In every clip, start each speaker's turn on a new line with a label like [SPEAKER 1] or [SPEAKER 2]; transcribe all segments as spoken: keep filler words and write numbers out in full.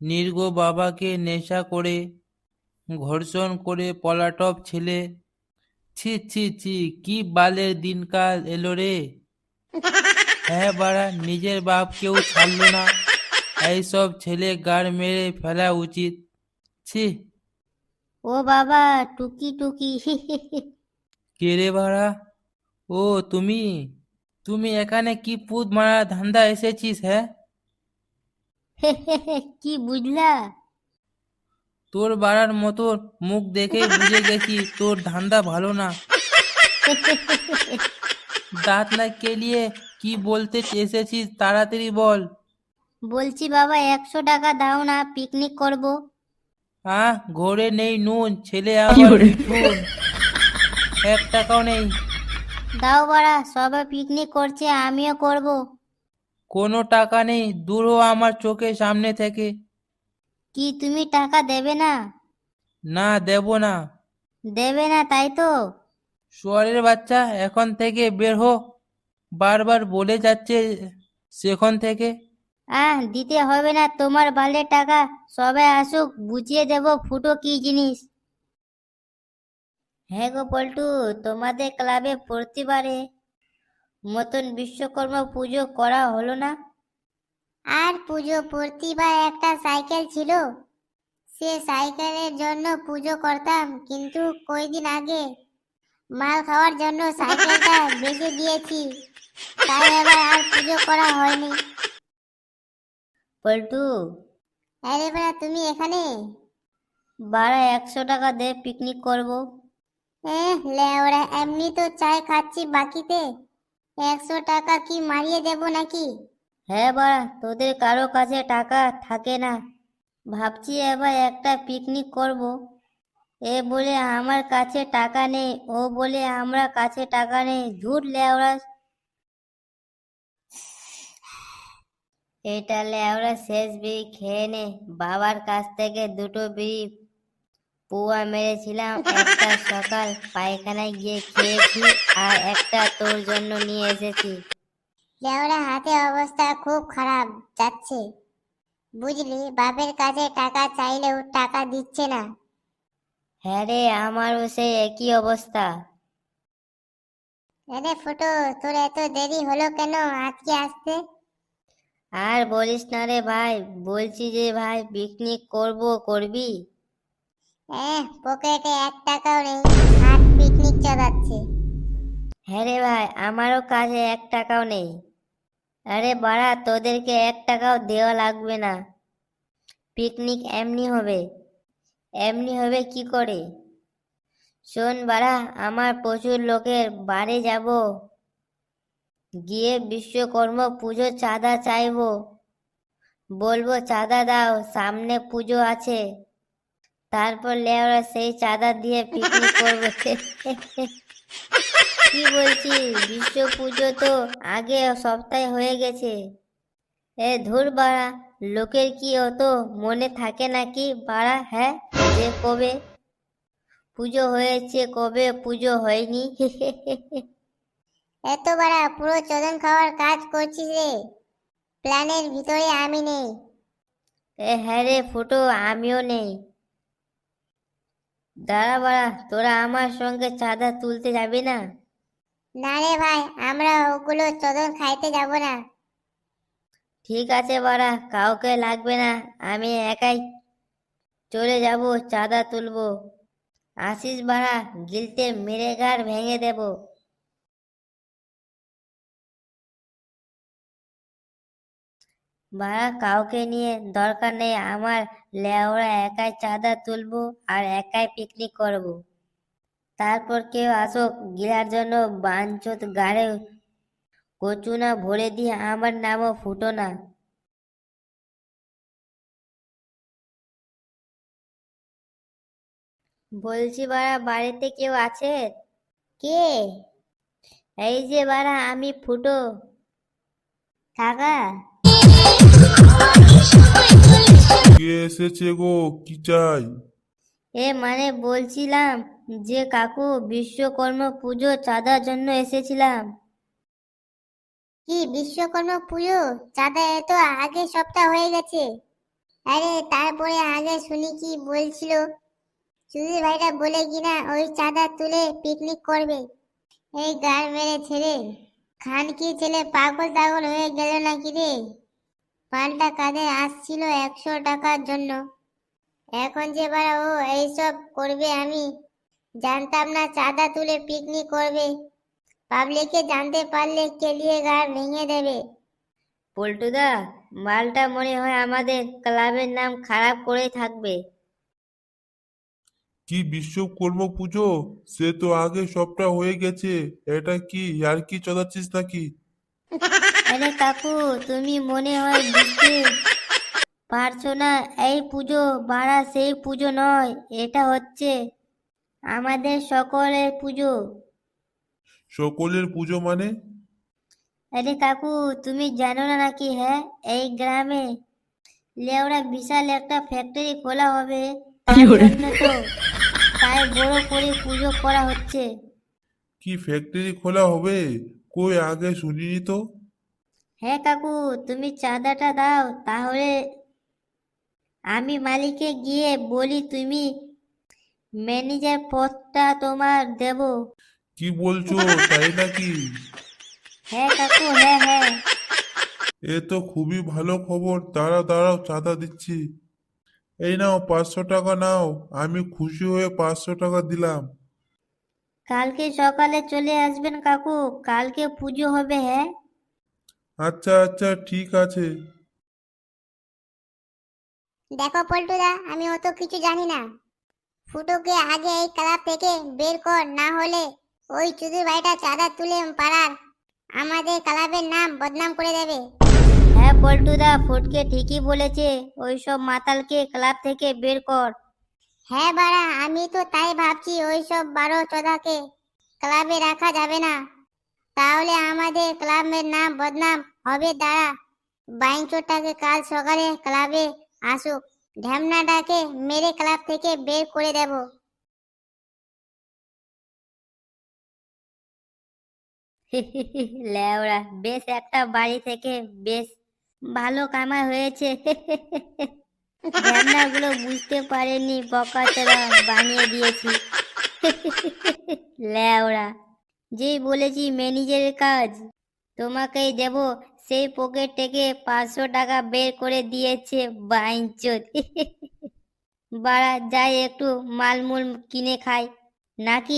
[SPEAKER 1] নির্গ বাবাকে নেশা করে ধর্ষণ করে পলাতক ছেলে। ছি ছি ছি, কি বালের দিনকাল এলো রে। হ্যাঁ বাড়া, নিজের বাপকেও ছাড়লো না, এইসব ছেলে গাড় মেরে ফেলা উচিত। ছি।
[SPEAKER 2] ও বাবা, টুকি টুকি।
[SPEAKER 1] কে রে বাড়া? ও তুমি, তুমি এখানে কি পুত মারা ধান্দা এসেছিস? হ্যাঁ,
[SPEAKER 2] কি বুঝলা?
[SPEAKER 1] তোর বাড়ার মতো মুখ দেখেই বুঝে গেছি তোর ধান্দা ভালো না। দাঁত না কেলিয়ে কি বলতে এসেছিস তাড়াতাড়ি বল।
[SPEAKER 2] বলছি বাবা, একশো টাকা দাও না, পিকনিক করব।
[SPEAKER 1] আহ, ঘরে নেই নুন, ছেলে আবার মিঠুন, এক টাকাও নেই।
[SPEAKER 2] দাও বাড়া, সবাই পিকনিক করছে, আমিও করব।
[SPEAKER 1] কোনো টাকা নেই, দূর হ আমার চোখের সামনে থেকে।
[SPEAKER 2] কি তুমি টাকা দেবে না?
[SPEAKER 1] না, দেব না।
[SPEAKER 2] দেবে না তাই তো?
[SPEAKER 1] শুয়ারের বাচ্চা, এখন থেকে বের হো, বারবার বলে যাচ্ছে সেখান থেকে।
[SPEAKER 2] আহ, দিতে হবে না তোমার বালের টাকা। সবাই আসুক, বুঝিয়ে দেব ফুটো কি জিনিস। হ্যাঁ গো পল্টু, তোমাদের ক্লাবে প্রতিবারে মতন বিশ্বকর্মা পুজো করা হলো না? আর পুজো, প্রতিবার একটা সাইকেল ছিল, সে সাইকেলের জন্য পুজো করতাম, কিন্তু কয়দিন আগে মাল খাওয়ার জন্য সাইকেলটা বেচে দিয়েছি, তাই এবার আর পুজো করা হয়নি। পল্টু, আরে বাড়া তুমি এখানে? বাড়া একশো টাকা দে, পিকনিক করব। এহ লেওড়া, এমনি তো চাই খাচ্ছি বাকিতে, একশো টাকা কি মারিয়ে দেব নাকি? হ্যাঁ বাড়া, তোদের কারো কাছে টাকা থাকে না, ভাবছি এবার একটা পিকনিক করব। এ বলে আমার কাছে টাকা নেই, ও বলে আমরা কাছে টাকা নেই, ঝুট লেওড়া। এটা লেওড়া শেষ বিড়ি খেয়ে নে। বাবার কাছ থেকে দুটো বিড়ি পুয়া মেরেছিলাম, একটা সকাল পায়খানায় গিয়ে খেয়েছি, আর একটা তোর জন্য নিয়ে এসেছি। লেওড়া হাতে অবস্থা খুব খারাপ যাচ্ছে, বুঝলি, বাপের কাছে টাকা চাইলেও টাকা দিচ্ছে না। হ্যাঁ রে, আমারও সেই একই অবস্থা। আরে ফুটো, তোর এত দেরি হলো কেন আজকে আসতে? আর বলিস না রে ভাই, বলছি যে ভাই পিকনিক করব, করবি? এহ, পকেটে এক টাকাও নেই, হাত পিকনিক চালাচ্ছে। হ্যাঁ রে ভাই, আমারও কাছে এক টাকাও নেই। আরে বাড়া, তোদেরকে এক টাকাও দেওয়া লাগবে না, পিকনিক এমনি হবে। এমনি হবে কি করে? শোন বাড়া, আমার প্রচুর লোকের বাড়ি যাব, গিয়ে বিশ্বকর্মা পুজো চাঁদা চাইবো, বলবো চাঁদা দাও, সামনে পুজো আছে, তারপর লেওরা সেই চাঁদা দিয়ে পিকনিক করবো। কি বলছিস, বিশ্ব পুজো তো আগে সপ্তাহে হয়ে গেছে। এ ধুর বাড়া, লোকের কি অত মনে থাকে নাকি বাড়া? হ্যাঁ, যে কবে পুজো হয়েছে কবে পুজো হয়নি। এত বাড়া পুরো চোদন খাওয়ার কাজ করছিস রে, প্ল্যানের ভিতরে আমি নেই। এ হ্যাঁ রে ফুটো, আমিও নেই। দাঁড়া বাড়া, তোরা আমার সঙ্গে চাঁদা তুলতে যাবি না? না রে ভাই, আমরা ওগুলো চোদন খাইতে যাব না। ঠিক আছে বাড়া, কাউকে লাগবে না, আমি একাই চলে যাব, চাঁদা তুলবো। আসিস বাড়া, গিলতে মেরে গাড় ভেঙে দেব। বাড়া কাউকে নিয়ে দরকার নেই আমার, লেওরা একাই চাঁদা তুলবো আর একাই পিকনিক করব। তারপর কেউ আসুক গিলার জন্য, বাঞ্চোত গাড়ে কচুনা ভরে দিয়ে আমার নামও ফুটো না। বলছি বাড়া, বাড়িতে কেউ আছে? কে? এই যে বাড়া, আমি ফুটো। কাকা?
[SPEAKER 3] কে এসেছে গো? কি চাই?
[SPEAKER 2] এ মানে বলছিলাম যে কাকু, বিশ্বকর্মা পুজো চাঁদার জন্য এসেছিলাম। কি বিশ্বকর্মা পুজো চাঁদা? এ তো আগের সপ্তাহ হয়ে গেছে। আরে তারপরে আগে শুনি কি বলছিল, চুদির ভাইটা বলে কিনা ওই চাঁদা তুলে পিকনিক করবে। এই গার মেরে ছেলে, খান কি ছেলে পাগল টাগল হয়ে গেল নাকি রে? পাল্টা কাঁধে আসছিল একশো টাকার জন্য, এখন যে বারা ও এইসব করবে আমি জানতাম না। চাঁদা তুলে পিকনিক করবে, পাবলিকে জানতে পারলে কেলিয়ে গাড় ভেঙে দেবে। পল্টুদা, মালটা মনে হয় আমাদের ক্লাবের নাম খারাপ করে থাকবে।
[SPEAKER 3] কি বিশ্বকর্মা পুজো? সে তো আগে সবটা হয়ে গেছে। এটা কি আর কি চদাচ্ছিস নাকি?
[SPEAKER 2] আরে কাকু, তুমি মনে হয় বুঝতে পারছো না, এই পুজো বাড়া সেই পুজো নয়, এটা হচ্ছে আমাদের সকলের পুজো।
[SPEAKER 3] সকলের পুজো মানে?
[SPEAKER 2] আরে কাকু, তুমি জানো না নাকি? হ্যাঁ, এই গ্রামে লেওড়া বিশাল একটা ফ্যাক্টরি খোলা হবে, তার জন্য তো তাই বড় করে পুজো করা হচ্ছে।
[SPEAKER 3] কি ফ্যাক্টরি খোলা হবে? কই আগে শুনিনি তো।
[SPEAKER 2] হ্যাঁ কাকু, তুমি চাঁদাটা দাও, তাহলে আমি মালিককে গিয়ে বলি তুমি ম্যানেজার পদটা তোমার দেব।
[SPEAKER 3] কি বলছো, তাই নাকি?
[SPEAKER 2] হ্যাঁ কাকু, হ্যাঁ হ্যাঁ।
[SPEAKER 3] এ তো খুবই ভালো খবর। দাঁড়াও দাঁড়াও, চাঁদা দিচ্ছি। এই নাও পাঁচশো টাকা নাও। আমি খুশি হয়ে পাঁচশো টাকা দিলাম।
[SPEAKER 2] কালকে সকালে চলে আসবেন কাকু, কালকে পুজো হবে। হ্যাঁ
[SPEAKER 3] আচ্ছা আচ্ছা, ঠিক আছে।
[SPEAKER 2] দেখো পল্টুদা, আমি অত কিছু জানি না। ফুটোকে আগে এই ক্লাব থেকে বের কর, না হলে ওই চুদির ভাইটা চাঁদা তুলে পাড়ার আমাদের ক্লাবের নাম বদনাম করে দেবে। হ্যাঁ পল্টুদা, ফুটকে ঠিকই বলেছে, ওই সব মাতালকে ক্লাব থেকে বের কর। হ্যাঁ বাড়া, আমি তো তাই ভাবছি, ওই সব বারো চোদাকে ক্লাবে রাখা যাবে না, তাহলে আমাদের ক্লাবের নাম বদনাম হবে। দাঁড়া, বাইঞ্চোরটাকে কাল সকালে ক্লাবে আসুক, ঢ্যামনাটাকে মেরে ক্লাব থেকে বের করে দেব। লেওড়া, বেশ একটা বাড়ি থেকে বেশ ভালো কামাই হয়েছে। ঢ্যামনাগুলো বুঝতে পারেনি, বকাচোদা বানিয়ে দিয়েছি। লেওড়া, যেই বলেছি ম্যানেজারের কাজ তোমাকেই দেব, সেই পকেট থেকে পাঁচশো টাকা বের করে দিয়েছে বাইঞ্চোদ। বাড়া, যাই একটু মালমূল কিনে খাই নাকি।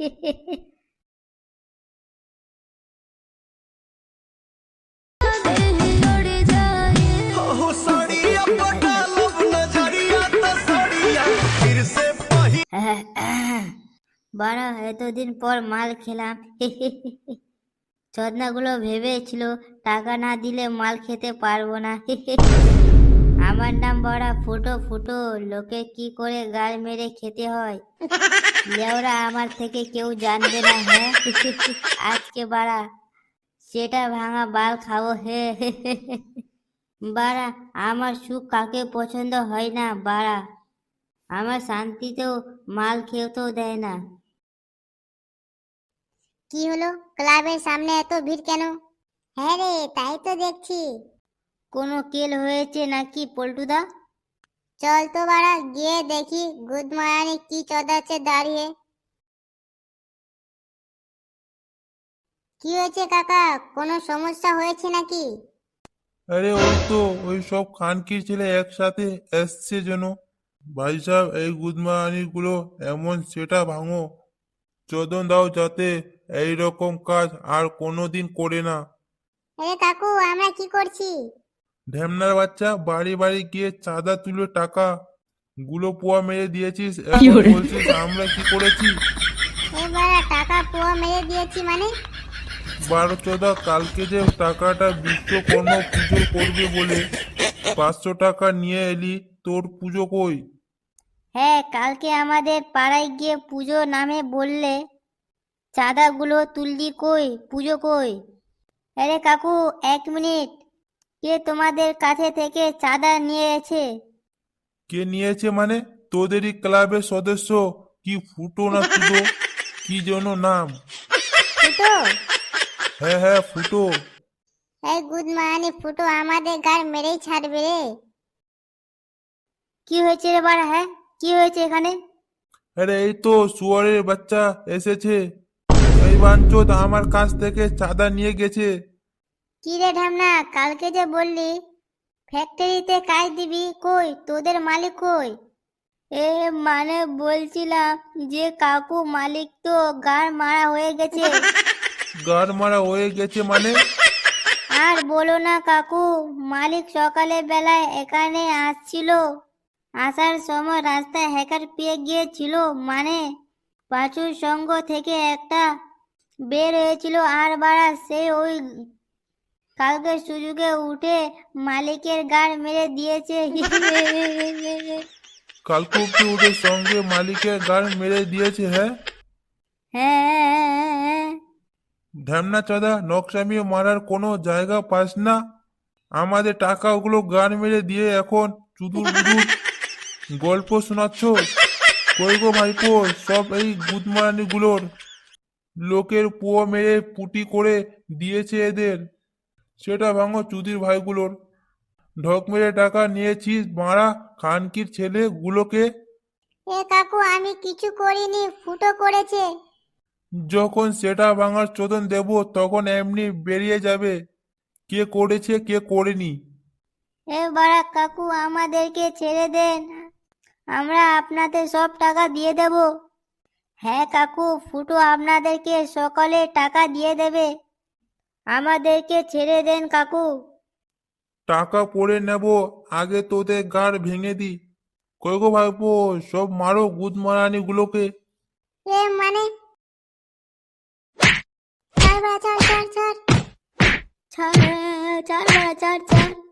[SPEAKER 2] বাড়া, এতদিন পর মাল খেলাম। চোদনাগুলো ভেবেছিল টাকা না দিলে মাল খেতে পারবো না। আমার নাম বড়া ফুটো ফুটো, লোকে কি করে গাল মেরে খেতে হয় লেওরা আমার থেকে কেউ জানবে না। হ্যাঁ, আজকে বাড়া সেটা ভাঙা বাল খাবো। হে বাড়া, আমার সুখ কাকে পছন্দ হয় না বাড়া, আমার শান্তিতেও মাল খেতেও দেয় না। কি হলো, ক্লাবের সামনে এত ভিড় কেন? হ্যাঁ রে, তাই তো দেখছি। কোনো কেল হয়েছে নাকি পল্টুদা? চল তো বাড়া গিয়ে দেখি গুদমারানি কি চদাচ্ছে দাঁড়িয়ে। কি হয়েছে কাকা, কোনো সমস্যা হয়েছে নাকি?
[SPEAKER 3] আরে ওই তো, ওই সব খানকির ছেলে একসাথে এসছে যেন। ভাই সাহেব, এই গুদমানি গুলো এমন সেটা ভাঙো, চোদন দাও যাতে এই রকম কাজ আর কোনোদিন করে না।
[SPEAKER 2] আরে কাকু, আমরা কি করছি?
[SPEAKER 3] ঢ্যামনার বাচ্চা, বাড়ি বাড়ি গিয়ে চাঁদা তুলে টাকা গুলো পোয়া মেরে দিয়েছিস, এখন বলছিস আমরা কি করেছি?
[SPEAKER 2] এবার টাকা পোয়া মেরে দিয়েছি মানে?
[SPEAKER 3] বারো চোদা, কালকে যে টাকাটা বিশ্বকর্মা পুজো করবে বলে পাঁচশো টাকা নিয়ে এলি, তোর পুজো কই?
[SPEAKER 2] হ্যাঁ, কালকে আমাদের পাড়ায় গিয়ে পুজো নামে বললে চাঁদাগুলো তুললি, কই পুজো কই? আরে কাকু, এক মিনিট, কে তোমাদের কাছে থেকে চাঁদা নিয়েছে?
[SPEAKER 3] কে নিয়েছে মানে? তোদেরই ক্লাবের সদস্য। কি ফুটো না তুদো, কি যেন নাম।
[SPEAKER 2] ফুটো?
[SPEAKER 3] হ্যাঁ হ্যাঁ, ফুটো।
[SPEAKER 2] এই গুদমানি ফুটো আমাদের গাড় মেরেই ছাড়বে রে। কি হয়েছে রে বাড়া? হ্যাঁ, কি হয়েছে এখানে?
[SPEAKER 3] আরে এই তো শুয়ারের বাচ্চা এসেছে। এই বাঞ্চোদ আমার কাছ থেকে চাঁদা নিয়ে গেছে।
[SPEAKER 2] কি রে ঢ্যামনা, কালকে যে বললি ফ্যাক্টরিতে কাজ দিবি, কই তোদের মালিক কই? এ মানে বলছিলাম যে কাকু মালিক তো গাড় মারা হয়ে গেছে।
[SPEAKER 3] গাড় মারা হয়ে গেছে মানে?
[SPEAKER 2] আর বলো না কাকু, মালিক সকালে বেলায় এখানে আসছিল, আসার সময় রাস্তায় হ্যাকার পেয়ে গিয়েছিল, মানে পাঁচুর সঙ্গ থেকে একটা বের হয়েছিল, আর বাড়া সে ওই কালকে সুযোগে উঠে মালিকের গাড় মেরে দিয়েছে।
[SPEAKER 3] কালকে কি উঠে সঙ্গে মালিকের গাড় মেরে দিয়েছে? হ্যাঁ,
[SPEAKER 2] হ্যাঁ,
[SPEAKER 3] ঢ্যামনা চাঁদা নকশামি মারার কোনো জায়গা পাস না? আমাদের টাকাগুলো গান মেরে দিয়ে এখন চুদুর বুদুর গল্প শোনাচ্ছ? কই গো ভাইপো, সব এই গুদমারানি গুলোর লোকের পুয়ো মেরে পুটি করে দিয়েছে এদের। সেটা ভাঙো চুদির ভাইগুলোর। ঢক মেরে টাকা নিয়েছিস মারা খানকির ছেলে গুলোকে।
[SPEAKER 2] এ কাকু, আমি কিছু করিনি, ফুটো করেছে।
[SPEAKER 3] যখন সেটা ভাঙার চোদন দেব তখন এমনি বেরিয়ে যাবে কে করেছে কে করেনি।
[SPEAKER 2] এ বাড়া কাকু, আমাদেরকে ছেড়ে দেন, আমরা আপনাদের সব টাকা দিয়ে দেব। হ্যাঁ কাকু, ফুটো আপনাদেরকে সকালে টাকা দিয়ে দেবে, আমাদেরকে ছেড়ে দেন কাকু।
[SPEAKER 3] টাকা পড়ে নেব, আগে তোদের গাড় ভেঙে দি। কই গো ভাইপো, সব মারো গুদমারানি গুলোকে।
[SPEAKER 2] এ মানে ছাড় বাড়া, ছাড় ছাড় ছাড় ছাড় ছাড় বাড়া, ছাড় ছাড়।